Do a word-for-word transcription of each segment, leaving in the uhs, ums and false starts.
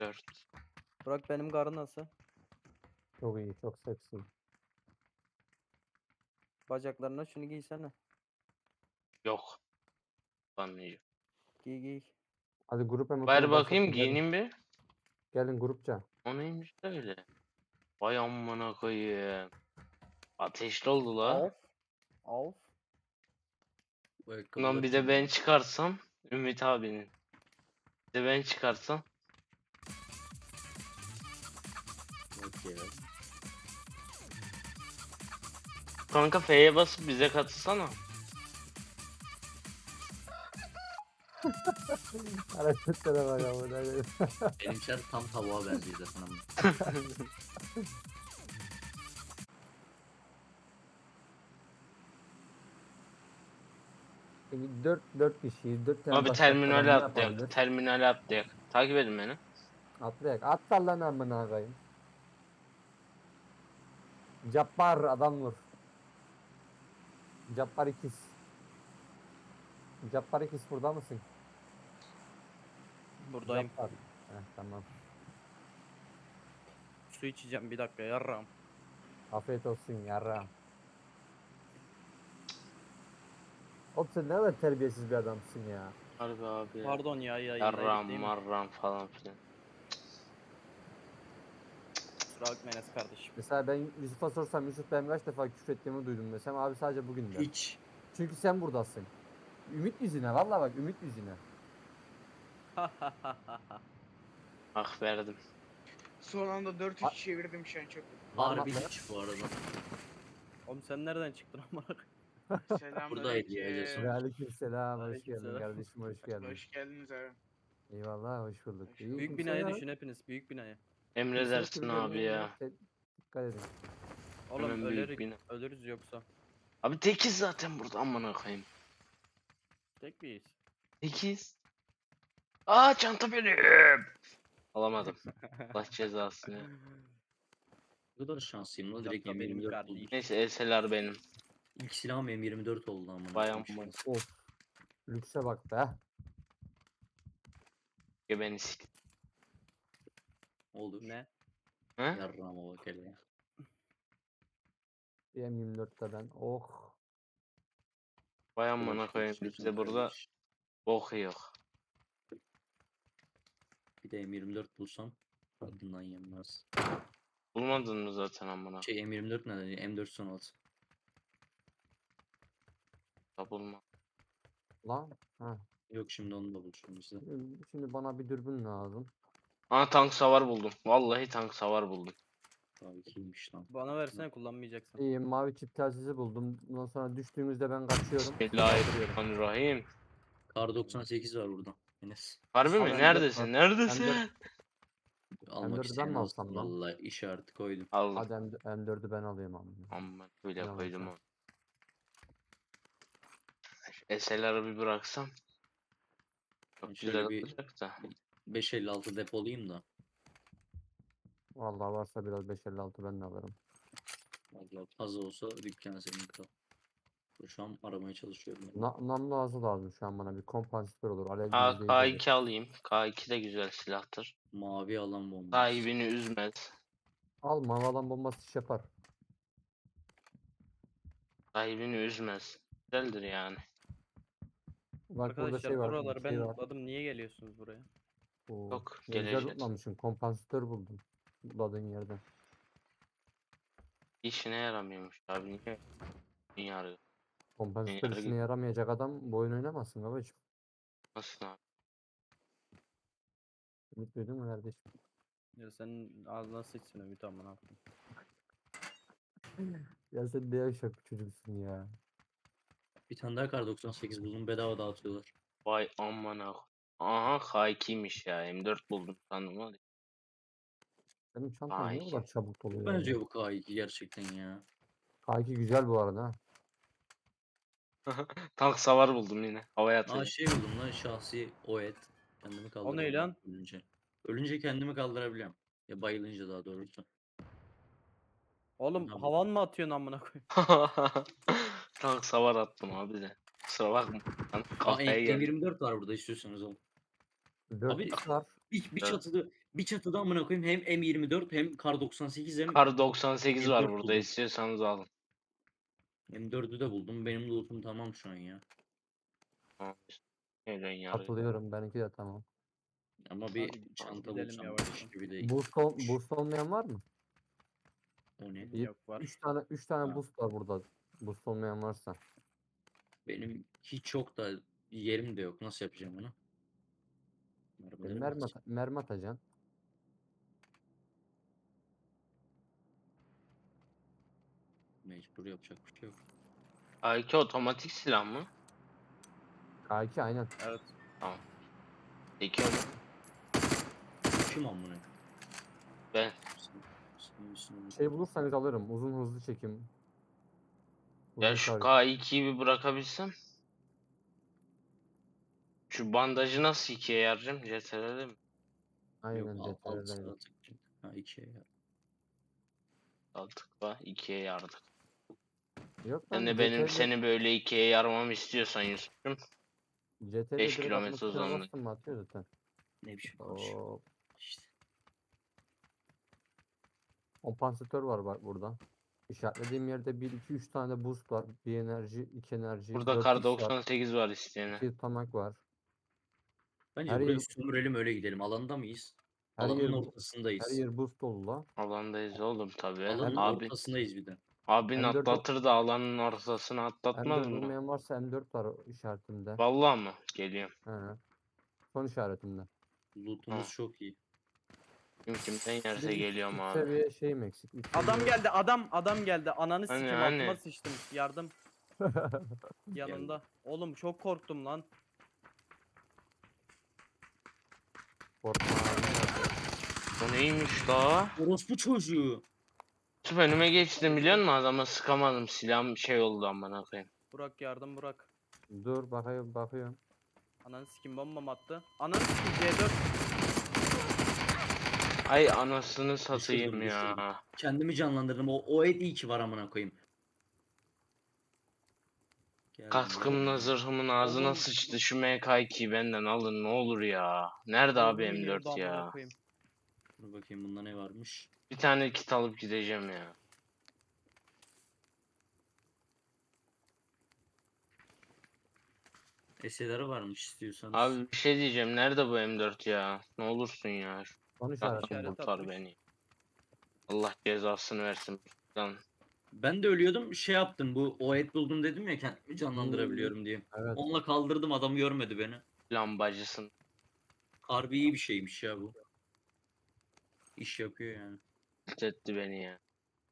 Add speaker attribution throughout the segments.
Speaker 1: dört.
Speaker 2: Burak benim karı nasıl?
Speaker 3: Çok iyi, çok seksi.
Speaker 2: Bacaklarına şunu giysene.
Speaker 1: Yok. Anlayacağım.
Speaker 2: Giy giy.
Speaker 3: Hadi grup
Speaker 1: Ver
Speaker 3: emotunu
Speaker 1: bakayım
Speaker 3: başlatın. Gelin,
Speaker 1: giyineyim bir.
Speaker 3: gelin grupça.
Speaker 1: O neymiş öyle? Vay amına koyayım. Ateşli oldu la.
Speaker 2: Of. Of.
Speaker 4: Bu
Speaker 1: Bundan
Speaker 4: ayakkabılar
Speaker 1: bir de
Speaker 4: kim
Speaker 1: ben
Speaker 4: ya?
Speaker 1: çıkarsam Ümit abinin. Bir de ben çıkarsam.
Speaker 4: Bak ya.
Speaker 1: Kanka F'ye basıp bize katılsana.
Speaker 3: Hareketlere bak ama. ne-
Speaker 4: Benimkiler tam tavuğa benziyor zaten ama.
Speaker 3: Şimdi dört dört kişiyiz. dört tane
Speaker 1: Abi
Speaker 3: başka adam
Speaker 1: terminale
Speaker 3: ne
Speaker 1: atlayak.
Speaker 3: yapabilir?
Speaker 1: Terminale atlayak. Takip edin beni.
Speaker 3: Atlayak. At lan amına koyayım. Cabbar adam vur. Cabbar ikiz. Cabbar ikiz burada mısın?
Speaker 2: Buradayım.
Speaker 3: Cabbar. Heh, tamam.
Speaker 2: Su içeceğim bir dakika yarram.
Speaker 3: Afiyet olsun yarra. Oğlum sen ne kadar terbiyesiz bir adamsın ya.
Speaker 1: Harbi abi ya.
Speaker 2: Pardon ya yayındaydık
Speaker 1: Yarram
Speaker 2: değil mi?
Speaker 1: marram falan filan.
Speaker 2: Kusura bakma Enes kardeşim.
Speaker 3: Mesela ben Yusuf'a sorsam Yusuf ben kaç defa küfür ettiğimi duydum desem abi sadece bugün der.
Speaker 4: Hiç.
Speaker 3: Çünkü sen buradasın. Ümit yüzüne vallahi bak ümit yüzüne.
Speaker 1: Ah verdim.
Speaker 5: Son anda dört üç çevirdim şu an çok.
Speaker 4: Harbi
Speaker 3: Parmakla.
Speaker 4: hiç bu arada.
Speaker 2: Oğlum sen nereden çıktın amına koyayım?
Speaker 4: Buradaydı ya, Jason.
Speaker 3: Ve aleykümselam hoş geldin
Speaker 2: Aleykümselam.
Speaker 3: kardeşim hoş geldin.
Speaker 5: Hoş geldiniz abi.
Speaker 3: Eyvallah hoş bulduk.
Speaker 5: Hoş
Speaker 3: İyi,
Speaker 5: bulduk.
Speaker 2: Büyük
Speaker 3: kimse
Speaker 2: binayı
Speaker 3: yok.
Speaker 2: düşün hepiniz büyük binayı.
Speaker 3: Kimse
Speaker 1: Emredersin
Speaker 3: küfür
Speaker 1: abi
Speaker 3: etmiyor,
Speaker 1: ya.
Speaker 3: te- Dikkat edin.
Speaker 2: Oğlum
Speaker 1: Hemen büyük
Speaker 2: ölürük,
Speaker 1: bina.
Speaker 2: ölürüz yoksa.
Speaker 1: Abi tekiz zaten burada amına koyayım.
Speaker 2: Tek miyiz?
Speaker 1: Tekiz. Aa çanta benim. Alamadım. Allah cezasını.
Speaker 4: Ne kadar şanslıyım lan, direkt
Speaker 2: Çanta benim
Speaker 4: M yirmi dört
Speaker 2: kardeşim.
Speaker 4: buldum.
Speaker 1: Neyse elseler benim.
Speaker 4: İlk silahım M yirmi dört oldu ama.
Speaker 1: Vay amına.
Speaker 3: Of. Lükse bak be.
Speaker 1: Gebeni sik.
Speaker 4: Olur.
Speaker 2: Ne?
Speaker 1: He?
Speaker 4: Yarrağıma bak hele ya.
Speaker 3: M yirmi dörtte ben. Oh.
Speaker 1: Vay amına
Speaker 4: Olur,
Speaker 1: koyayım
Speaker 4: istiyorsan
Speaker 1: bizde burada
Speaker 4: kardeş.
Speaker 1: bok yok.
Speaker 4: Bir de M yirmi dört bulsam adından yenmez.
Speaker 1: Bulmadın mı zaten amına?
Speaker 4: Şey M yirmi dört ne dedi? M dört on altı.
Speaker 1: Da bulma.
Speaker 3: Lan. Ha.
Speaker 4: Yok, şimdi onu da bulacağım size.
Speaker 3: Şimdi şimdi bana bir dürbün lazım.
Speaker 1: Aa tank savar buldum. Vallahi tank savar buldum.
Speaker 4: Tabii kiymiş lan.
Speaker 2: Bana versene kullanmayacaksın.
Speaker 3: İyi mavi çip telsizi buldum. Bundan sonra düştüğümüzde ben kaçıyorum. sizi kaldırıyorum.
Speaker 1: Bismillahirrahmanirrahim.
Speaker 4: Kar doksan sekiz var burada. Enes.
Speaker 1: Harbi
Speaker 3: Abi
Speaker 1: mi?
Speaker 3: M dört
Speaker 1: Neredesin?
Speaker 3: var.
Speaker 1: Neredesin?
Speaker 3: M
Speaker 4: Almak
Speaker 3: dördü ben
Speaker 4: isteyen
Speaker 3: mi
Speaker 4: olsun
Speaker 3: alsam lan?
Speaker 4: vallahi, işareti koydum.
Speaker 1: Aldım.
Speaker 3: Hadi M- M dördü ben alayım abi.
Speaker 1: Amma böyle
Speaker 3: Ne
Speaker 1: koydum
Speaker 3: alacağım?
Speaker 1: onu. S L R'ı bir bıraksam.
Speaker 4: Ben
Speaker 1: Çok
Speaker 4: şöyle
Speaker 1: güzel
Speaker 4: bir
Speaker 1: olacak da.
Speaker 4: beş elli altı depolayayım da.
Speaker 3: Vallahi varsa biraz beş elli altı ben de alırım.
Speaker 4: Vallahi fazla olsa dükkan senin kal. Şu an aramaya çalışıyorum. ben.
Speaker 3: Na namlu ağzı lazım şu an bana bir kompansatör olur. Alev
Speaker 1: K
Speaker 3: izleyici olur.
Speaker 1: K2 alayım. K iki de güzel silahtır.
Speaker 4: Mavi alan bombası.
Speaker 1: Sahibini üzmez.
Speaker 3: Al mavi alan bombası iş yapar.
Speaker 1: Sahibini üzmez. Güzeldir yani.
Speaker 3: Bak burada
Speaker 2: Arkadaşlar
Speaker 3: şey var.
Speaker 2: buraları
Speaker 3: bir şey
Speaker 2: ben
Speaker 3: var.
Speaker 2: lootladım. Niye geliyorsunuz buraya?
Speaker 3: Oo,
Speaker 1: Yok,
Speaker 3: ne güzel
Speaker 1: geleceğiz.
Speaker 3: lootlamışsın. Kompansatör buldum. Lootladığın yerden.
Speaker 1: İşine yaramıyormuş abi. Niye? Niye arıyor?
Speaker 3: Kompansatör
Speaker 1: Yarı
Speaker 3: işine
Speaker 1: git.
Speaker 3: yaramayacak adam bu oyun oynamasın babacım.
Speaker 1: Nasıl abi?
Speaker 3: Ümit duydun mu kardeşim?
Speaker 2: Ya senin ağzına sıçsın Ümit amına koyayım.
Speaker 3: Ya sen ne yaşak bir çocuksun ya.
Speaker 4: Bir tane daha kar doksan sekiz buldum, bedava dağıtıyorlar.
Speaker 1: Vay amına. Aha K ikiymiş ya. M dört buldum sandım var ya.
Speaker 3: Benim çantam niye bu
Speaker 1: Ay.
Speaker 3: kadar çabuk
Speaker 4: Çok
Speaker 3: doluyor ya?
Speaker 4: benziyor bu K iki gerçekten ya.
Speaker 3: K iki güzel bu arada. ha.
Speaker 1: Tank savar buldum yine. Havaya
Speaker 4: Aa
Speaker 1: atacağım.
Speaker 4: şey buldum lan, şahsi o et. Kendimi kaldırabiliyorum
Speaker 2: lan?
Speaker 4: ölünce. Ölünce kendimi kaldırabiliyorum. Ya bayılınca daha doğrusu.
Speaker 2: Oğlum
Speaker 4: Tamam.
Speaker 2: havan mı atıyorsun amına koyayım?
Speaker 1: Tank savar attım abi de. Kusura bakma. Lan
Speaker 4: Aa
Speaker 1: kafaya
Speaker 4: M-
Speaker 1: geldi.
Speaker 4: M yirmi dört var burada istiyorsanız oğlum.
Speaker 3: dört
Speaker 4: Abi-
Speaker 3: x var.
Speaker 4: Bir, bir
Speaker 1: Evet.
Speaker 4: çatıda bir çatıda amına koyayım hem M yirmi dört hem Kar doksan sekiz hem
Speaker 1: Kar doksan sekiz var
Speaker 4: M dört
Speaker 1: burada,
Speaker 4: buldum.
Speaker 1: istiyorsanız alın.
Speaker 4: M dördü de buldum. Benim lootum tamam şu an ya.
Speaker 1: Tamam. Öyle yarı.
Speaker 3: Katılıyorum. Benimki de tamam.
Speaker 4: Ama bir
Speaker 2: Hadi
Speaker 4: çanta
Speaker 2: gidelim
Speaker 4: bulsam
Speaker 2: yavaştan.
Speaker 4: iş gibi değil.
Speaker 3: Boost, ol, boost olmayan var mı?
Speaker 4: O ne?
Speaker 3: Bir,
Speaker 2: Yok var.
Speaker 3: üç tane üç tane
Speaker 4: Ha.
Speaker 3: boost var burada. Boost olmayan varsa.
Speaker 4: Benim hiç yok da yerim de yok. Nasıl yapacağım bunu?
Speaker 3: E,
Speaker 4: Mermileri mi
Speaker 3: mermi,
Speaker 4: atacağım?
Speaker 3: at- mermi atacaksın.
Speaker 4: Mecbur yapacak bir şey yok.
Speaker 1: A iki otomatik silah mı?
Speaker 3: K iki aynen.
Speaker 2: Evet.
Speaker 1: Tamam. Peki onu
Speaker 4: Kim amına?
Speaker 1: ben.
Speaker 4: Sen- sen misin?
Speaker 3: Şey bulursanız alırım. Uzun hızlı çekim.
Speaker 1: Ya
Speaker 3: Uzun
Speaker 1: şu
Speaker 3: tarih.
Speaker 1: K ikiyi bir bırakabilsem. Şu bandajı nasıl ikiye yaracağım? C T R'de mi?
Speaker 3: Aynen
Speaker 4: Yok al, alt
Speaker 3: C T R'den.
Speaker 4: sıra tık. Ha ikiye ya.
Speaker 1: Altıkla ikiye yardık.
Speaker 3: Yok
Speaker 1: Sen
Speaker 3: lan
Speaker 1: de benim
Speaker 3: C T R'de
Speaker 1: seni böyle ikiye yarmamı istiyorsan Yusuf'cum.
Speaker 3: C T R'de
Speaker 1: beş
Speaker 3: direkt
Speaker 1: kilometre
Speaker 3: atma tuşuna
Speaker 1: uzandı.
Speaker 3: bastın mı atıyor zaten.
Speaker 4: Ne biçim konuşuyor.
Speaker 3: Oo,
Speaker 4: İşte.
Speaker 3: kompansatör var bak burada. İşaretlediğim yerde bir iki üç tane boost var. Bir enerji, iki enerji,
Speaker 1: Burada
Speaker 3: dört
Speaker 1: Kar
Speaker 3: x var.
Speaker 1: doksan sekiz var isteyene.
Speaker 3: iki tutamak var.
Speaker 4: Bence
Speaker 3: Her
Speaker 4: burayı
Speaker 3: yer
Speaker 4: sömürelim öyle gidelim. Alanda mıyız?
Speaker 3: her
Speaker 4: Alanın
Speaker 3: yer bu- her
Speaker 4: ortasındayız.
Speaker 3: yer boost dolu la.
Speaker 1: Alandayız oğlum tabii.
Speaker 4: Alanın
Speaker 1: Abi,
Speaker 4: ortasındayız bir de.
Speaker 1: abin
Speaker 3: M dört
Speaker 1: atlatır da alanın ortasını atlatmaz
Speaker 3: M dört
Speaker 1: mı?
Speaker 3: olmayan varsa M dört var işaretimde.
Speaker 1: Vallahi mı? Geliyorum.
Speaker 3: He. Son işaretimde.
Speaker 4: Lootumuz
Speaker 1: Ha.
Speaker 4: çok iyi.
Speaker 1: Kim kimden
Speaker 3: Bir
Speaker 1: yerse
Speaker 3: de üç-
Speaker 1: geliyorum
Speaker 3: üç
Speaker 1: abi.
Speaker 3: seviye şeyim eksik. üç
Speaker 2: Adam
Speaker 3: seviye-
Speaker 2: geldi. Adam adam geldi. Ananı
Speaker 1: Hani,
Speaker 2: sikim
Speaker 1: hani?
Speaker 2: altıma sıçtım. Yardım yanında. Oğlum çok korktum lan.
Speaker 3: Korkma abi.
Speaker 1: Bu neymiş la?
Speaker 4: Orospu çocuğu.
Speaker 1: Yusuf önüme geçtim biliyor musun? Adama sıkamadım. Silahım şey oldu amına koyayım.
Speaker 2: Burak yardım Burak.
Speaker 3: Dur bakayım bakıyorum.
Speaker 2: Ananı sikim bombam attı. Ananı sikim C dört.
Speaker 1: Ay anasını satayım
Speaker 4: Düşürdüm,
Speaker 1: ya.
Speaker 4: düşürdüm. Kendimi canlandırdım. O, o et iyi ki var amına koyayım. Geldim,
Speaker 1: Kaskımla
Speaker 4: geldim.
Speaker 1: zırhımın ağzına
Speaker 2: Oğlum.
Speaker 1: sıçtı. Şu M K ikiyi benden alın ne olur ya. Nerede abi
Speaker 2: Ruhum
Speaker 1: M
Speaker 2: iniyordu
Speaker 1: dört
Speaker 2: amına
Speaker 1: ya?
Speaker 2: koyayım.
Speaker 4: Dur bakayım bunda ne varmış.
Speaker 1: Bir tane kit alıp gideceğim ya.
Speaker 4: Eseleri varmış istiyorsanız.
Speaker 1: Abi bir şey diyeceğim. Nerede bu M dört ya? Ne olursun ya. Şu
Speaker 3: Son
Speaker 1: silahtan
Speaker 3: işaretimde.
Speaker 2: İşaret
Speaker 1: kurtar
Speaker 2: atmış.
Speaker 1: beni. Allah cezasını versin. Lan
Speaker 4: Ben de ölüyordum şey yaptım bu o et buldum dedim ya kendimi canlandırabiliyorum diye.
Speaker 3: Evet.
Speaker 4: Onunla kaldırdım adam görmedi beni.
Speaker 1: lambacısın.
Speaker 4: Harbi iyi bir şeymiş ya bu. İş yapıyor yani.
Speaker 1: Etti beni ya.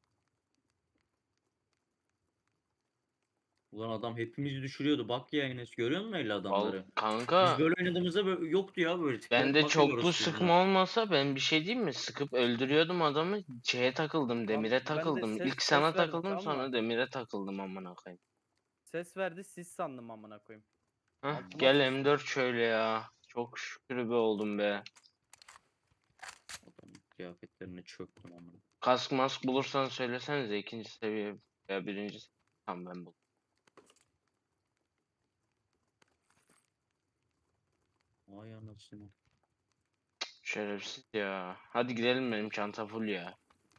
Speaker 4: Ulan adam hepimizi düşürüyordu. Bak ya Enes görüyor musun öyle
Speaker 1: Val
Speaker 4: adamları?
Speaker 1: kanka
Speaker 4: Biz böyle oynadığımızda böyle yoktu ya böyle tiplere
Speaker 1: bende
Speaker 4: bakıyoruz
Speaker 1: çoklu
Speaker 4: orospu
Speaker 1: sıkma
Speaker 4: yüzünden.
Speaker 1: olmasa ben bir şey diyeyim mi? Sıkıp öldürüyordum adamı. Şeye takıldım, demire
Speaker 2: ben de
Speaker 1: takıldım.
Speaker 2: ses-
Speaker 1: İlk
Speaker 2: ses
Speaker 1: sana
Speaker 2: verdi,
Speaker 1: takıldım
Speaker 2: tamam
Speaker 1: sonra
Speaker 2: mı?
Speaker 1: demire takıldım amına koyayım.
Speaker 2: Ses verdi siz sandım amına koyayım.
Speaker 1: Heh,
Speaker 2: Altıma
Speaker 1: gel
Speaker 2: sıçtım.
Speaker 1: M dört şöyle ya. Çok şükür be oldum be.
Speaker 4: Adamın kıyafetlerine çöktüm ama.
Speaker 1: Kask mask bulursan söylesenize ikinci seviye veya birinci seviye. Tamam ben buldum.
Speaker 4: Vay anasını.
Speaker 1: Şerefsiz ya. Hadi gidelim benim çanta full ya.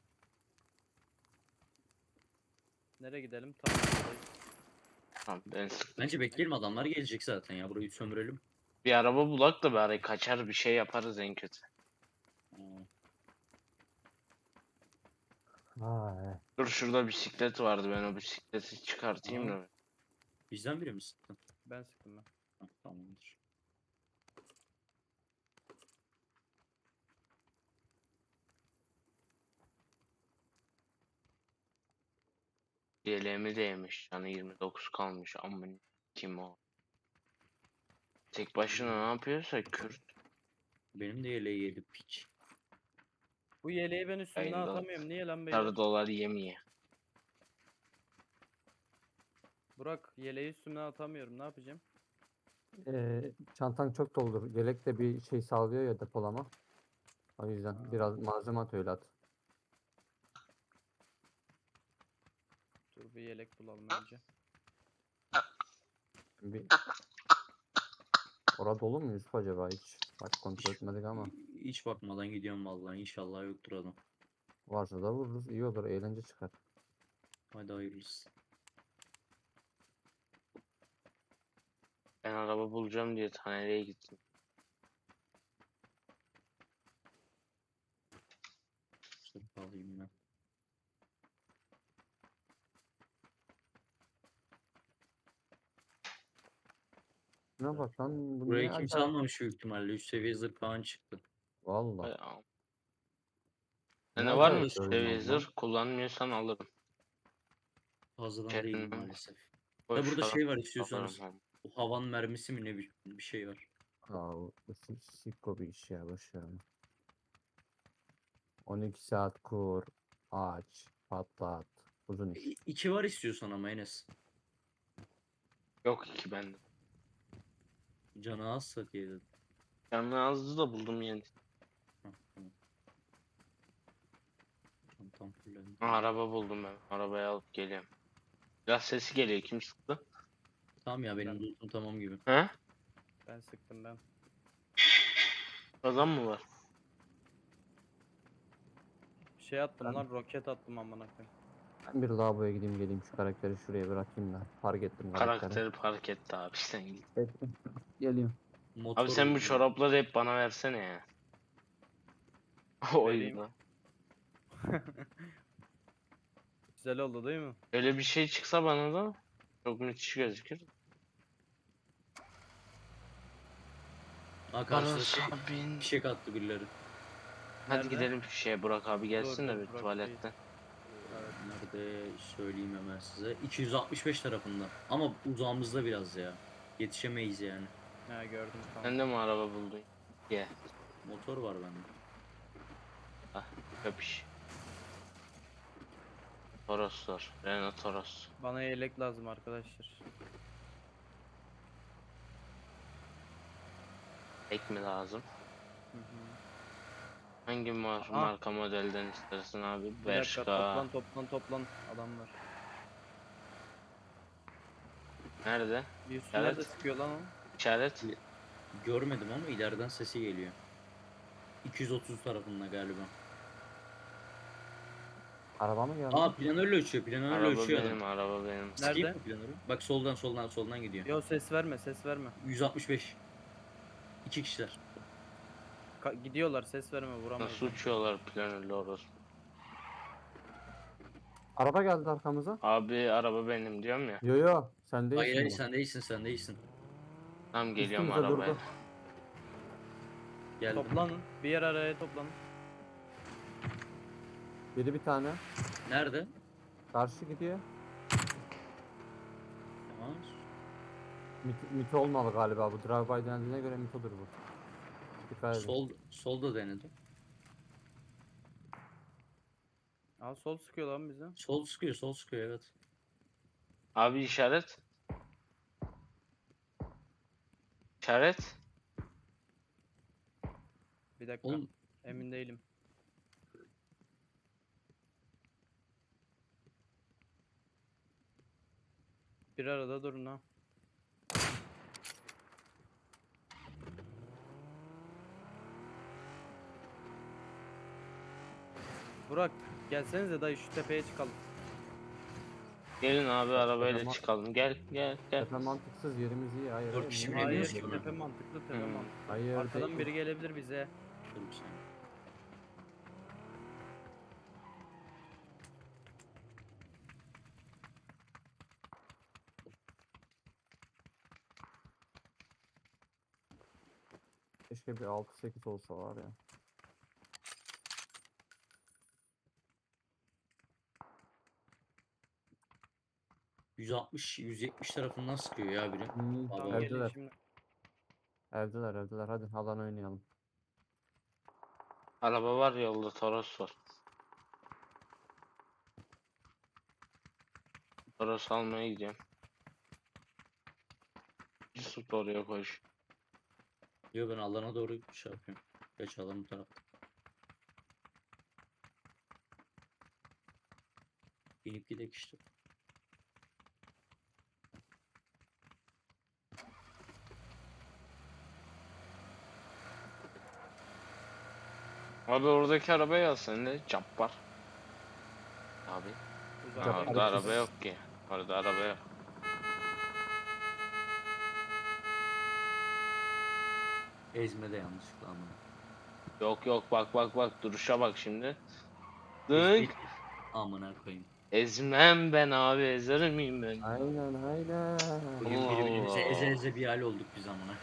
Speaker 2: Nereye gidelim? Tamam. buradayız.
Speaker 1: Tamam ben sıktım.
Speaker 4: Bence bekleyelim adamlar gelecek zaten ya burayı sömürelim.
Speaker 1: Bir araba bulak da bari kaçar bir şey yaparız en kötü.
Speaker 4: Aa,
Speaker 3: Ay.
Speaker 1: Dur şurada bisiklet vardı ben o bisikleti çıkartayım
Speaker 4: Aa.
Speaker 1: da.
Speaker 4: bizden biri mi sıktın?
Speaker 2: Ben sıktım ben.
Speaker 4: Ha, tamamdır.
Speaker 1: Yeleğimi de yemiş. Canı yirmi dokuz kalmış. Amın kim o? Tek başına ne yapıyorsa Kürt.
Speaker 4: Benim de yeleği yedi piç.
Speaker 2: Bu yeleği ben üstümden
Speaker 1: Yayında
Speaker 2: atamıyorum. Niye lan beyler?
Speaker 1: Sarı dolar yemeye.
Speaker 2: Burak yeleği üstümden atamıyorum. Ne yapacağım?
Speaker 3: Ee, çantan çok doldur. Yelek de bir şey sağlıyor ya depolama. O yüzden
Speaker 2: Ha.
Speaker 3: biraz malzeme at öyle at.
Speaker 2: Dur bir yelek bulalım önce.
Speaker 3: Bir... Orada dolu mu Yusuf acaba hiç? Bak kontrol etmedik ama.
Speaker 4: hiç bakmadan gidiyorum vallahi. İnşallah yoktur adam.
Speaker 3: Varsa da vururuz. İyi olur. Eğlence çıkar.
Speaker 4: Hadi hayırlısı.
Speaker 1: Ben araba bulacağım diye taneleye gittim.
Speaker 4: Sırf alayım ben.
Speaker 3: Ne bak lan bu
Speaker 4: Burayı
Speaker 3: niye
Speaker 4: kimse
Speaker 3: acayip?
Speaker 4: almamış büyük ihtimalle. üç seviye zırh falan çıktı.
Speaker 3: Valla.
Speaker 1: Ay, am-
Speaker 3: Ne
Speaker 1: Sende var mı
Speaker 3: acayip
Speaker 1: üst
Speaker 3: oyun
Speaker 1: seviye
Speaker 3: oldu lan.
Speaker 1: zırh? Kullanmıyorsan alırım.
Speaker 4: Fazladan değil
Speaker 1: Kendimden
Speaker 4: maalesef. Da
Speaker 1: boş
Speaker 4: burada
Speaker 1: para
Speaker 4: şey var
Speaker 1: alırım.
Speaker 4: istiyorsanız.
Speaker 1: ama.
Speaker 4: Bu havan mermisi mi ne bir, bir şey var.
Speaker 3: Aa, bu si- sikko bir iş ya. Boş ver onu. on iki saat kur. Aç. Patlat. Uzun iş.
Speaker 4: İ- İki var istiyorsan ama Enes.
Speaker 1: Yok ki bende.
Speaker 4: Canı azsa diye dedim.
Speaker 1: Canlı azdı da buldum yeni.
Speaker 4: Hah, tamam. Tam tam fullendi.
Speaker 1: Ha, araba buldum ben. Arabayı alıp geliyorum. Biraz sesi geliyor. Kim sıktı?
Speaker 4: Tamam ya benim lootum tamam gibi.
Speaker 1: He?
Speaker 2: Ben sıktım ben.
Speaker 1: Adam mı var?
Speaker 2: Şey attım lan, roket attım amına koyayım.
Speaker 3: Ben bir lavaboya gideyim geleyim şu karakteri şuraya bırakayım da. Fark ettim karakteri.
Speaker 1: Karakteri park etti abi sen git.
Speaker 3: Ettim. Geliyorum.
Speaker 4: Motor
Speaker 1: Abi sen bu
Speaker 4: buldum.
Speaker 1: çorapları hep bana versene ya. O oyunda.
Speaker 2: Güzel oldu değil mi?
Speaker 1: Öyle bir şey çıksa bana da çok müthiş gözükür.
Speaker 4: Ha karşıda şey,
Speaker 1: Arasa bin.
Speaker 4: fişek attı birileri.
Speaker 1: Hadi
Speaker 2: Nerede?
Speaker 1: gidelim şeye Burak abi gelsin de
Speaker 2: dur,
Speaker 1: bir
Speaker 2: Burak
Speaker 1: tuvaletten.
Speaker 2: Evet.
Speaker 4: Nerede söyleyeyim hemen size. iki yüz altmış beş tarafında. Ama uzağımızda biraz ya. Yetişemeyiz yani.
Speaker 2: Ha gördüm tamam.
Speaker 1: Sen de mi araba buldun? Ye.
Speaker 4: Motor var bende.
Speaker 1: Ah, köpüş. Toros var. Renault Toros.
Speaker 2: Bana yelek lazım arkadaşlar.
Speaker 1: Ek mi lazım?
Speaker 2: Hı hı.
Speaker 1: Hangi mar
Speaker 2: Aa.
Speaker 1: marka modelden istersin abi?
Speaker 2: Bir dakika,
Speaker 1: Bershka.
Speaker 2: toplan toplan toplan, adam var.
Speaker 1: Nerede?
Speaker 2: Bir üstü
Speaker 1: Evet.
Speaker 2: nerede sıkıyor lan o?
Speaker 1: İşaret.
Speaker 4: Görmedim ama ileriden sesi geliyor. iki yüz otuz tarafında galiba.
Speaker 3: Araba mı geldi?
Speaker 4: Aa planörle uçuyor. Planörle
Speaker 1: Araba
Speaker 4: uçuyor
Speaker 1: benim,
Speaker 4: adam.
Speaker 1: araba benim.
Speaker 4: Sıkayım
Speaker 2: Nerede?
Speaker 4: mı planörü? Bak soldan soldan soldan gidiyor.
Speaker 2: Yo ses verme, ses verme.
Speaker 4: yüz altmış beş. İki kişiler.
Speaker 2: Ka- gidiyorlar, ses verme, vuramayız.
Speaker 1: Nasıl uçuyorlar planörle orası?
Speaker 3: Araba geldi arkamıza.
Speaker 1: Abi araba benim diyorum ya.
Speaker 3: Yo yo. Sen
Speaker 4: Hayır hayır
Speaker 3: değilsin bu.
Speaker 4: sen değilsin sen değilsin.
Speaker 1: Tam geliyorum
Speaker 3: Üstümüze durdu.
Speaker 1: arabaya.
Speaker 4: Geldim.
Speaker 2: Toplanın, bir yer araya toplanın.
Speaker 3: Biri bir tane.
Speaker 4: Nerede?
Speaker 3: Karşı gidiyor.
Speaker 4: Tamam.
Speaker 3: Mit, mito olmalı galiba bu. Drive-by dendiğine göre mitodur bu. Dikkat edin.
Speaker 4: Sol solda denedim.
Speaker 2: Aa sol sıkıyor lan bize.
Speaker 4: Sol sıkıyor sol sıkıyor evet.
Speaker 1: Abi işaret. İşaret.
Speaker 2: Bir dakika,
Speaker 4: Oğlum
Speaker 2: emin değilim. Bir arada durun ha. Burak, gelsenize dayı şu tepeye çıkalım.
Speaker 1: Gelin abi arabayla
Speaker 3: Ama-
Speaker 1: çıkalım. Gel gel gel.
Speaker 3: Tepe mantıksız yerimiz iyi. Hayır.
Speaker 4: Dört
Speaker 3: hayır,
Speaker 4: kişi
Speaker 3: niye
Speaker 4: mi
Speaker 2: Hayır,
Speaker 4: geliyoruz
Speaker 3: böyle
Speaker 4: ki
Speaker 3: yapıyorsun?
Speaker 2: tepe mantıklı, tepe
Speaker 1: Hmm.
Speaker 2: mantıklı.
Speaker 3: Hayır
Speaker 2: Arkadan
Speaker 3: değil.
Speaker 2: biri gelebilir bize.
Speaker 4: dur bir saniye.
Speaker 3: Keşke bir altı sekiz olsa var ya.
Speaker 4: yüz altmış yüz yetmiş tarafından sıkıyor ya biri.
Speaker 3: Hmm,
Speaker 4: Tamam,
Speaker 2: Tamam gelin
Speaker 3: evdeler.
Speaker 2: şimdi.
Speaker 3: Evdeler evdeler. Hadi alan oynayalım.
Speaker 1: Araba var yolda Toros var. Toros almaya gidiyorum. Yusuf da oraya koş.
Speaker 4: Diyor ben alana doğru şey yapıyorum. Geç alan bu tarafta. İnip gidek işte.
Speaker 1: Abi oradaki arabaya al sen de. Cabbar. Abi. Ha,
Speaker 2: Uzaktayım.
Speaker 1: orada
Speaker 3: Cabbar
Speaker 1: araba yok ki. Orada araba yok.
Speaker 4: Ezme de yanlışlıkla ama.
Speaker 1: Yok yok bak bak bak duruşa bak şimdi.
Speaker 4: Biz
Speaker 1: Dınk.
Speaker 4: bir... Amına koyayım.
Speaker 1: Ezmem ben abi ezer miyim ben?
Speaker 3: Aynen aynen.
Speaker 4: Bugün
Speaker 1: Allah
Speaker 4: birbirimize eze
Speaker 1: Allah.
Speaker 4: eze bir hal olduk biz amına.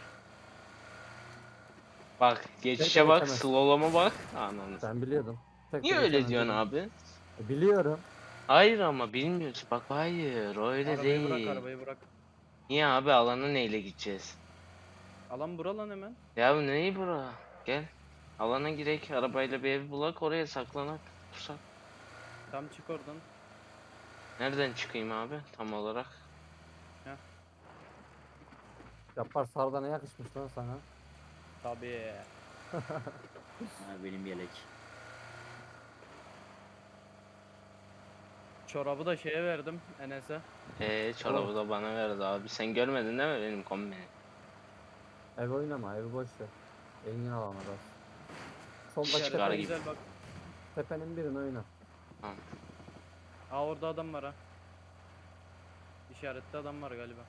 Speaker 3: Tek
Speaker 1: Bak
Speaker 3: de
Speaker 1: geçişe bak
Speaker 3: geçemez.
Speaker 1: slowlama bak. Ananı.
Speaker 3: Ben biliyordum. Tek de
Speaker 1: Niye öyle
Speaker 3: geçemez
Speaker 1: diyorsun
Speaker 3: dedim.
Speaker 1: abi?
Speaker 3: E, biliyorum.
Speaker 1: Hayır ama bilmiyorsun. Bak hayır öyle
Speaker 2: Arabayı bırak,
Speaker 1: değil.
Speaker 2: arabayı bırak.
Speaker 1: Niye abi alana neyle gideceğiz?
Speaker 2: Alan bura lan hemen.
Speaker 1: Ya bu neyi bura? Gel. Alana girek arabayla bir ev bulak oraya saklanak. Pusak.
Speaker 2: Tam çık oradan.
Speaker 1: Nereden çıkayım abi tam olarak?
Speaker 3: Yapar sarıda ne yakışmış lan sana?
Speaker 2: Tabii.
Speaker 4: Ha, benim yelek.
Speaker 2: Çorabı da şeye verdim Enes'e.
Speaker 1: Eee çorabı da bana verdi abi. Sen görmedin değil mi benim kombini?
Speaker 3: Ev oynama, evi boş ver. Engin alana bas. Soldaki
Speaker 1: Çıkar
Speaker 2: İşaretler
Speaker 1: gibi.
Speaker 2: güzel bak.
Speaker 3: tepenin birini oyna.
Speaker 1: Tamam.
Speaker 2: Aa orada adam var ha. İşaretli adam var galiba.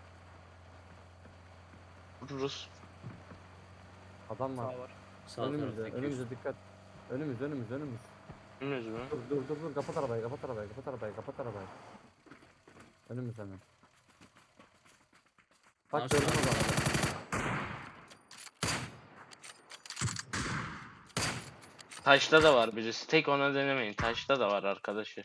Speaker 1: Vururuz.
Speaker 3: Adam
Speaker 2: Sağ
Speaker 3: var.
Speaker 2: var.
Speaker 4: Sağ
Speaker 3: Önümüzde,
Speaker 4: taraftaki
Speaker 3: önümüzde
Speaker 4: üst.
Speaker 3: dikkat. Önümüz, önümüz, önümüz.
Speaker 1: Bilmiyoruz mu?
Speaker 3: Dur, dur, dur, dur. Kapat arabayı, kapat arabayı, kapat arabayı, kapat arabayı. Önümüz hemen. Bak
Speaker 4: Aşağı.
Speaker 3: gördün adamı.
Speaker 1: Taşta da var birisi. Tek ona denemeyin. Taşta da var arkadaşı.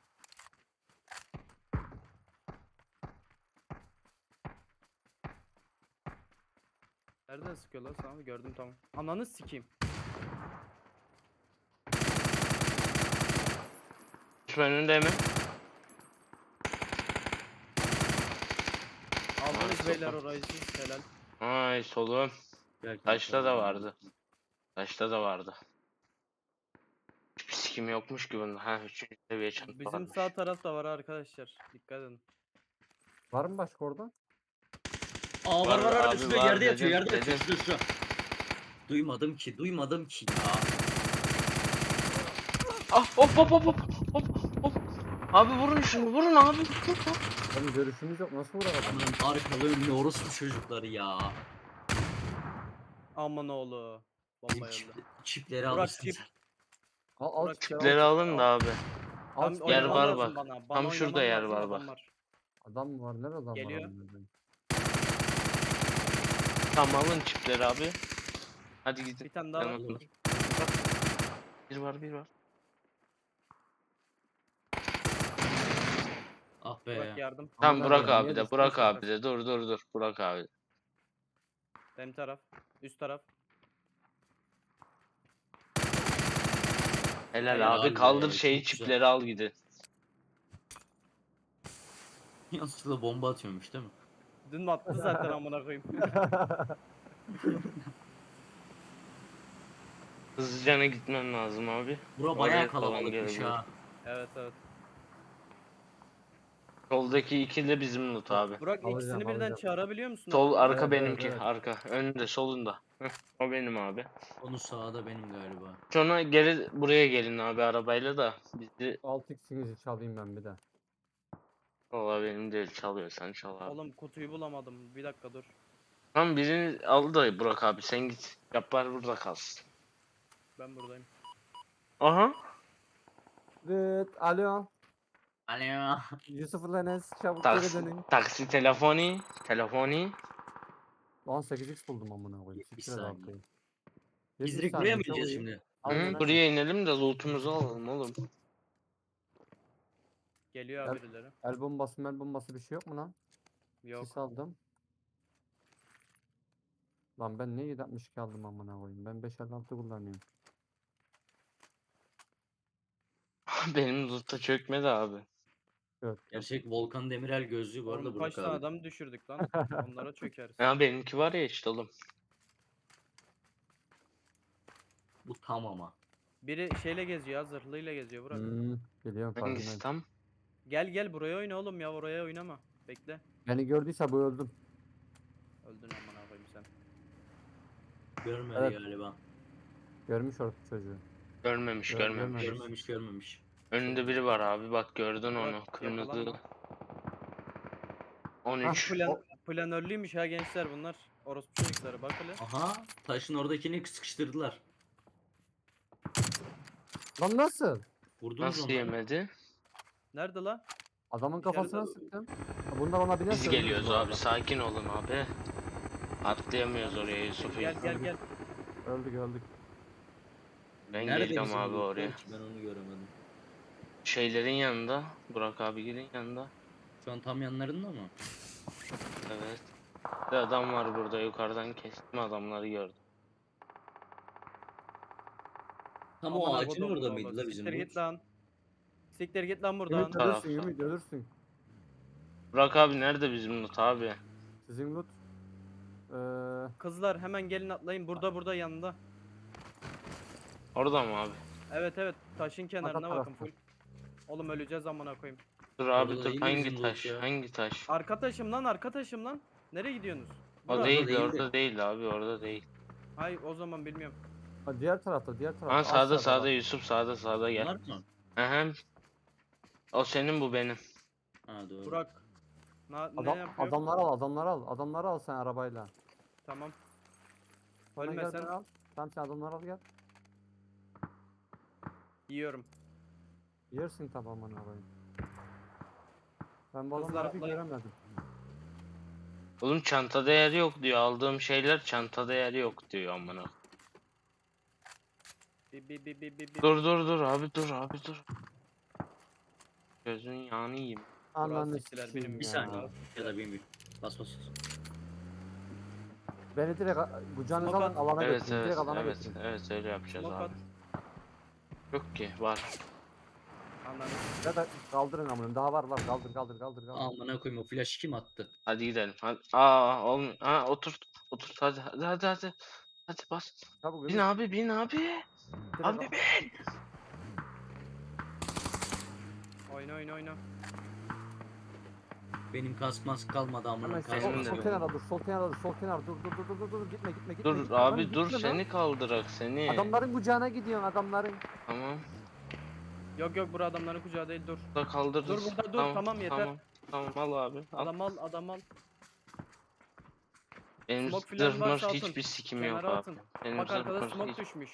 Speaker 2: Nereden sıkıyor lan sana? Gördüm tamam. Ananı sikeyim.
Speaker 1: Düşman önünde mi?
Speaker 2: Aldınız
Speaker 1: Ay,
Speaker 2: beyler
Speaker 1: sopa.
Speaker 2: orayı siz. Helal.
Speaker 1: Ay solum.
Speaker 4: Belki
Speaker 1: Taşta da
Speaker 4: bakalım.
Speaker 1: vardı. Taşta da vardı. Hiçbir sikim yokmuş ki bunda. Ha üçüncü seviye çanta
Speaker 2: Bizim
Speaker 1: varmış.
Speaker 2: sağ tarafta var arkadaşlar. Dikkat edin.
Speaker 3: Var mı başka orada?
Speaker 4: Aa var
Speaker 1: Var
Speaker 4: var var
Speaker 1: abi,
Speaker 4: üstüne
Speaker 1: var
Speaker 4: yerde yatıyor
Speaker 1: dedim,
Speaker 4: yerde yatıyor
Speaker 1: dedim.
Speaker 4: üstüne üstüne. Duymadım ki duymadım ki ya.
Speaker 1: Ah hop hop hop hop hop hop. Abi vurun şunu vurun abi.
Speaker 3: Benim görüşümüz yok. Nasıl vurur adam?
Speaker 4: Aman arkalı önlü orospu çocukları ya.
Speaker 2: Aman oğlu.
Speaker 4: Bizim
Speaker 2: Bomba
Speaker 4: çip,
Speaker 2: öldü.
Speaker 4: çipleri
Speaker 2: Burak,
Speaker 4: alırsın
Speaker 2: çip.
Speaker 4: sen.
Speaker 3: Al, al
Speaker 2: Bırak
Speaker 3: çipleri, al
Speaker 1: Tipleri
Speaker 3: çipleri,
Speaker 1: alın da
Speaker 3: al.
Speaker 1: abi.
Speaker 3: Al
Speaker 2: Tam
Speaker 3: çipleri,
Speaker 1: Yer
Speaker 2: oynaman
Speaker 3: al.
Speaker 1: var
Speaker 2: lazım
Speaker 1: bak.
Speaker 2: bana. Bana
Speaker 1: Tam şurada
Speaker 2: oynaman
Speaker 1: yer
Speaker 2: lazım,
Speaker 1: var
Speaker 2: adam
Speaker 1: bak.
Speaker 3: Adam mı var? Nerede adam
Speaker 2: Geliyor.
Speaker 3: var? amına koyayım?
Speaker 1: Tamam alın çipleri abi. Hadi gidin.
Speaker 2: Bir tane daha var.
Speaker 1: Yanına- Bir var bir var.
Speaker 4: Ah
Speaker 2: Burak
Speaker 4: be.
Speaker 2: yardım.
Speaker 1: Tamam
Speaker 3: Amına
Speaker 1: Burak
Speaker 3: koyayım,
Speaker 1: abi
Speaker 3: niye
Speaker 1: de
Speaker 3: düştün
Speaker 1: Burak
Speaker 3: sen?
Speaker 1: abi de dur dur dur Burak abi.
Speaker 2: Benim taraf. Üst taraf.
Speaker 1: Helal
Speaker 2: Helal
Speaker 1: abi
Speaker 4: be,
Speaker 1: kaldır
Speaker 4: çok
Speaker 1: şeyi
Speaker 4: güzel.
Speaker 1: çipleri al gidin.
Speaker 4: Yanlışlıkla bomba atıyormuş değil mi?
Speaker 2: Dün attı zaten amına koyayım.
Speaker 1: Hızlıcana gitmem lazım abi.
Speaker 4: Bura
Speaker 1: Oraya
Speaker 4: bayağı
Speaker 1: falan
Speaker 4: kalabalıkmış
Speaker 1: gelebilir.
Speaker 4: ha.
Speaker 2: Evet evet.
Speaker 1: Soldaki ikili de bizim loot abi.
Speaker 2: Burak
Speaker 3: Alacağım,
Speaker 2: ikisini birden
Speaker 3: alacağım.
Speaker 2: çağırabiliyor musun?
Speaker 1: Sol
Speaker 2: adamı?
Speaker 1: arka
Speaker 3: Evet, evet,
Speaker 1: benimki
Speaker 3: evet.
Speaker 1: arka. Önünde solunda. Heh, o benim abi.
Speaker 4: Onu sağda benim galiba.
Speaker 1: Sonra geri buraya gelin abi arabayla da bizi
Speaker 3: altı x'inizi çalayım ben bir de.
Speaker 1: valla benim değil çalıyorsan çal abi.
Speaker 2: Oğlum kutuyu bulamadım. Bir dakika dur.
Speaker 1: Tamam birini al da Burak abi sen git. Yapar burada kalsın.
Speaker 2: Ben buradayım.
Speaker 1: Aha.
Speaker 3: Evet, alo.
Speaker 4: Alo.
Speaker 3: Yusuf Enes çabuk geri
Speaker 1: Taksi,
Speaker 3: dönün.
Speaker 1: taksi telefoni. Telefoni.
Speaker 3: Lan sekiz x buldum amına koyayım.
Speaker 4: Bir
Speaker 3: Siktir et
Speaker 4: saniye.
Speaker 3: altıyı.
Speaker 4: Biz
Speaker 3: Yedi
Speaker 4: direkt
Speaker 3: saniye,
Speaker 4: buraya mı
Speaker 3: çok
Speaker 4: gideceğiz
Speaker 3: iyi.
Speaker 4: şimdi?
Speaker 3: Aynen,
Speaker 1: Hı,
Speaker 3: aynen.
Speaker 1: buraya inelim de lootumuzu alalım oğlum.
Speaker 2: Geliyor
Speaker 3: Gel.
Speaker 2: abi birileri.
Speaker 3: El bombası mel bombası bir şey yok mu lan?
Speaker 2: Yok.
Speaker 3: Sis aldım. Lan ben niye yedi altmış iki aldım amına koyayım? Ben beş elli altı kullanıyorum.
Speaker 1: Benim loot'a çökmedi abi.
Speaker 3: Evet.
Speaker 4: Gerçek Volkan Demirel gözlüğü bu arada
Speaker 2: Oğlum kaç
Speaker 4: Burak
Speaker 2: tane
Speaker 4: abi.
Speaker 2: adam düşürdük lan. Onlara çökeriz.
Speaker 1: Ya benimki var ya işte oğlum.
Speaker 4: Bu tam ama.
Speaker 2: Biri şeyle geziyor, ya, zırhlıyla geziyor Burak.
Speaker 3: Hmm, biliyorum
Speaker 1: Hangisi
Speaker 3: farkındayım.
Speaker 1: tam?
Speaker 2: Gel gel buraya oyna oğlum ya, oraya oynama. Bekle.
Speaker 3: Beni gördüyse bu öldüm.
Speaker 2: Öldün amına koyayım sen.
Speaker 4: Görmedi
Speaker 3: Evet.
Speaker 4: galiba.
Speaker 3: Görmüş orası çocuğu.
Speaker 1: Görmemiş
Speaker 3: Gör-
Speaker 1: görmemiş.
Speaker 3: görmemiş.
Speaker 4: Görmemiş görmemiş.
Speaker 1: Önünde biri var abi bak gördün
Speaker 2: Bak,
Speaker 1: onu. Kırmızı
Speaker 2: yakalanma.
Speaker 1: on üç.
Speaker 2: Plan,
Speaker 3: O-
Speaker 2: planörlüymüş ha gençler bunlar. Orospu çocukları bak hele.
Speaker 4: Aha taşın oradakini sıkıştırdılar.
Speaker 3: Lan nasıl?
Speaker 4: Vurdunuz
Speaker 1: Nasıl
Speaker 4: onları.
Speaker 1: yemedi?
Speaker 2: Nerede la?
Speaker 3: Adamın
Speaker 2: İçeride-
Speaker 3: kafasına sıktım. Ha, Bunlar ona binerse
Speaker 1: Biz
Speaker 3: ölürüz
Speaker 1: geliyoruz
Speaker 3: bu
Speaker 1: abi
Speaker 3: arada.
Speaker 1: sakin olun abi. Atlayamıyoruz oraya Yusuf'u.
Speaker 2: Gel gel gel.
Speaker 3: Öldük öldük.
Speaker 1: Ben
Speaker 4: Nerede
Speaker 1: geleceğim
Speaker 4: bizim
Speaker 1: abi
Speaker 4: lootlar
Speaker 1: oraya.
Speaker 4: ki? Ben onu göremedim.
Speaker 1: Şeylerin yanında. Burak abilerin yanında.
Speaker 4: Şu an tam yanlarında mı?
Speaker 1: Evet. Bir adam var burada yukarıdan kestim adamları gördüm.
Speaker 4: Tam
Speaker 2: Aman
Speaker 4: o
Speaker 2: ha
Speaker 4: ağacın
Speaker 2: kodumun
Speaker 4: orada
Speaker 2: oğlu.
Speaker 4: mıydı la bizim
Speaker 2: Siktir
Speaker 4: loot?
Speaker 2: git lan. Siktir git lan buradan.
Speaker 3: Ümit
Speaker 1: Tarafta.
Speaker 3: ölürsün Ümit ölürsün.
Speaker 1: Burak abi nerede bizim loot abi?
Speaker 3: Sizin loot. Ee,
Speaker 2: Kızlar hemen gelin atlayın. Burada burada yanında.
Speaker 1: Orada mı abi?
Speaker 2: Evet evet taşın kenarına bakın
Speaker 3: tarafta.
Speaker 2: full. Oğlum öleceğiz amına koyayım.
Speaker 1: Dur
Speaker 4: Orada
Speaker 1: abi
Speaker 4: da
Speaker 1: dur
Speaker 4: yine
Speaker 1: hangi
Speaker 4: bizim loot
Speaker 1: taş?
Speaker 4: ya.
Speaker 1: Hangi taş?
Speaker 2: Arka taşım lan arka taşım lan. Nereye gidiyorsunuz?
Speaker 1: O
Speaker 2: Burak.
Speaker 1: değil,
Speaker 4: değil de.
Speaker 1: orada değil abi orada değil.
Speaker 2: Hayır o zaman bilmiyorum.
Speaker 3: ha, diğer tarafta diğer tarafta.
Speaker 1: Ha sağda
Speaker 3: aşağıda
Speaker 1: sağda
Speaker 3: bak.
Speaker 1: Yusuf sağda sağda gel.
Speaker 4: Bunlar mı?
Speaker 1: Aha. O senin bu benim.
Speaker 4: Ha doğru.
Speaker 2: Burak. Na, ne
Speaker 3: Adam,
Speaker 2: yapıyor?
Speaker 3: adamları al adamları al. Adamları al sen arabayla.
Speaker 2: Tamam.
Speaker 3: Sonra gel
Speaker 2: Ölmesen
Speaker 3: beni al. Tamam sen adamları al gel.
Speaker 2: yiyorum.
Speaker 3: Yersin tamamını arabayı. Ben bu
Speaker 2: Kızlar
Speaker 3: adamları bir
Speaker 2: atlayın.
Speaker 3: göremedim.
Speaker 1: Oğlum çantada yer yok diyor. Aldığım şeyler çantada yer yok diyor amına.
Speaker 2: Bi bi bi bi bi bi.
Speaker 1: Dur dur dur abi dur abi dur. Gözün yağını yiyeyim.
Speaker 3: Ananı
Speaker 2: siktiler,
Speaker 3: sikeyim
Speaker 2: benim
Speaker 4: Bir
Speaker 3: ya.
Speaker 4: saniye. Ya da bin bin. Bas bas.
Speaker 3: Beni direkt a- kucağınıza
Speaker 2: Smoke
Speaker 3: alın
Speaker 2: at.
Speaker 3: alana
Speaker 1: Evet
Speaker 3: götürün.
Speaker 1: evet
Speaker 3: Direkt alana
Speaker 1: evet
Speaker 3: götürün.
Speaker 1: evet öyle yapacağız
Speaker 2: Smoke at.
Speaker 1: abi. Yok ki var.
Speaker 2: Ananı.
Speaker 3: Ya da kaldırın amına. Daha var var. Kaldır kaldır kaldır kaldır.
Speaker 4: Amına koyayım o flash kim attı?
Speaker 1: Hadi gidelim. Hadi. Aa olmuyor. Ha otur. Otur hadi hadi hadi hadi. Hadi bas.
Speaker 3: Çabuk
Speaker 1: Bin
Speaker 3: Ümit.
Speaker 1: abi bin abi.
Speaker 3: direkt
Speaker 1: Abi
Speaker 3: al.
Speaker 1: bin.
Speaker 2: Oyna oyna oyna.
Speaker 4: Benim kask mask kalmadı amına
Speaker 3: Hemen
Speaker 4: kask
Speaker 1: Benim
Speaker 3: sol,
Speaker 1: de
Speaker 3: sol
Speaker 4: mask.
Speaker 1: benim.
Speaker 3: kenara dur. Sol kenara dur. Sol kenara dur. Dur dur dur dur dur. Gitme gitme gitme.
Speaker 1: Dur
Speaker 3: gitme. Lan
Speaker 1: abi dur
Speaker 3: gitme lan.
Speaker 1: seni kaldırak seni.
Speaker 3: Adamların kucağına gidiyorsun adamların.
Speaker 1: Tamam.
Speaker 2: Yok yok bura adamların kucağı değil dur.
Speaker 1: Burada kaldırırız.
Speaker 2: Dur burada dur, tamam, yeter.
Speaker 1: Tamam, tamam al abi. Al.
Speaker 2: Adam al adam al.
Speaker 1: Benim
Speaker 2: smoke falan
Speaker 1: zırh
Speaker 2: varsa
Speaker 1: mırh
Speaker 2: atın.
Speaker 1: hiçbir sikim yok
Speaker 2: Kenara
Speaker 1: abi.
Speaker 2: atın.
Speaker 1: Benim
Speaker 2: Bak
Speaker 1: zırh
Speaker 2: arkada
Speaker 1: mırh
Speaker 2: smoke
Speaker 1: hiç-
Speaker 2: düşmüş.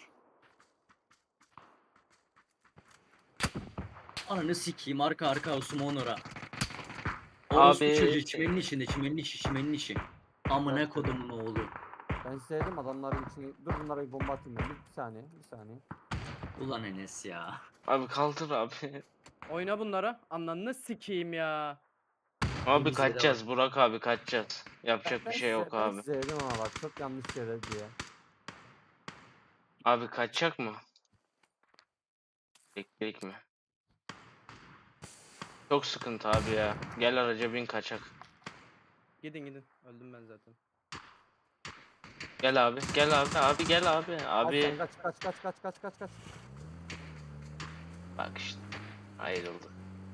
Speaker 4: Ananı sikeyim arka arka Osman ora.
Speaker 1: Abi-
Speaker 4: Orospu çocuğu çimenin içinde çimenin içi çimenin içi. Amına
Speaker 3: Yok.
Speaker 4: kodumun oğlu.
Speaker 3: Ben size dedim adamların içine. Dur bunlara bir bomba atayım ben. Bir saniye. Bir saniye.
Speaker 4: Ulan Enes ya.
Speaker 1: Abi kaldır abi.
Speaker 2: Oyna bunlara. Ananı sikeyim ya.
Speaker 1: Abi
Speaker 4: bizde de
Speaker 1: kaçacağız Burak abi kaçacağız. Yapacak
Speaker 3: Ben
Speaker 1: bir şey yok
Speaker 3: size, ben
Speaker 1: abi.
Speaker 3: size dedim ama bak çok yanlış yere diye.
Speaker 1: Abi kaçacak mı? Bekledik mi? Çok sıkıntı abi ya. Gel araca bin kaçak.
Speaker 2: Gidin gidin. Öldüm ben zaten.
Speaker 1: Gel abi. Gel abi. Abi gel abi.
Speaker 3: Al sen
Speaker 1: Abi.
Speaker 3: kaç kaç kaç kaç kaç kaç kaç.
Speaker 1: Bak işte. Ayrıldı.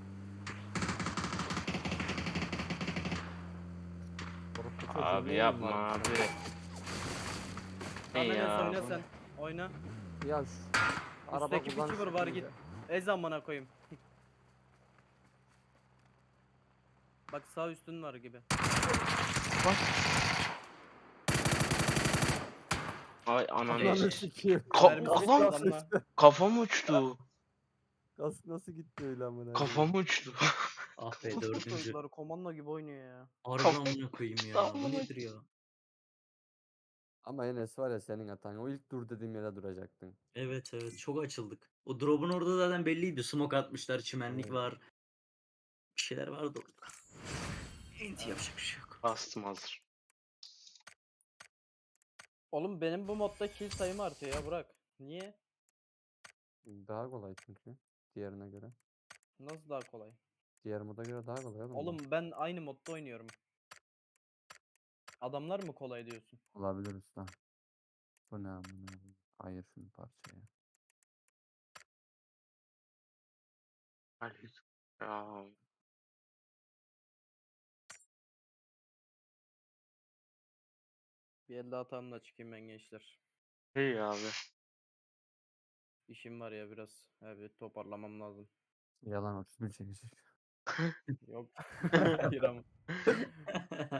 Speaker 3: Orospu çocuğu
Speaker 1: Abi
Speaker 3: neyin
Speaker 1: yapma
Speaker 3: var
Speaker 1: abi.
Speaker 3: senin?
Speaker 1: Ne
Speaker 2: Tamam Enes
Speaker 1: ya?
Speaker 2: oyna
Speaker 1: bu
Speaker 2: sen.
Speaker 1: ne?
Speaker 2: Oyna.
Speaker 3: Ya şu araba
Speaker 2: Üstteki piçi
Speaker 3: kullanışı
Speaker 2: vur var git.
Speaker 3: iyice.
Speaker 2: Ez amına koyayım. Bak sağ üstün var gibi.
Speaker 1: Ay ananı.
Speaker 3: Ananı sikeyim.
Speaker 1: Ka-
Speaker 2: Mermisi
Speaker 1: kafam,
Speaker 2: gitti adamla.
Speaker 1: kafam uçtu.
Speaker 3: Kas nasıl gitti öyle amına? koyayım?
Speaker 1: Kafam uçtu.
Speaker 4: Ah be dördüncü.
Speaker 2: Çocuklar komando gibi oynuyor ya.
Speaker 4: Harbi
Speaker 1: Kafam-
Speaker 4: amına koyayım ya. Bu nedir ya?
Speaker 3: Ama Enes var ya senin hatan. O ilk dur dediğim yere duracaktın.
Speaker 4: Evet evet çok açıldık. O drop'un orada zaten belliydi. Smoke atmışlar, çimenlik
Speaker 3: Evet.
Speaker 4: var. Bir şeyler vardı orada. Enti yapacak bir şey yok.
Speaker 1: Bastım hazır.
Speaker 2: Oğlum benim bu modda kill sayım artıyor ya Burak. Niye?
Speaker 3: Daha kolay çünkü. Diğerine göre.
Speaker 2: Nasıl daha kolay?
Speaker 3: Diğer moda göre daha kolay oğlum. bu.
Speaker 2: Oğlum ben aynı modda oynuyorum. Adamlar mı kolay diyorsun?
Speaker 3: Olabilir usta. Bu ne amına? koyayım? Ayır şunu parçaya.
Speaker 1: Hadi. Ya.
Speaker 2: Bir elde hatamla çıkayım ben gençler.
Speaker 1: İyi abi.
Speaker 2: İşim var ya biraz. Evet toparlamam lazım.
Speaker 3: Yalan otuz bir çekecek.
Speaker 2: Yok. Hayır ama.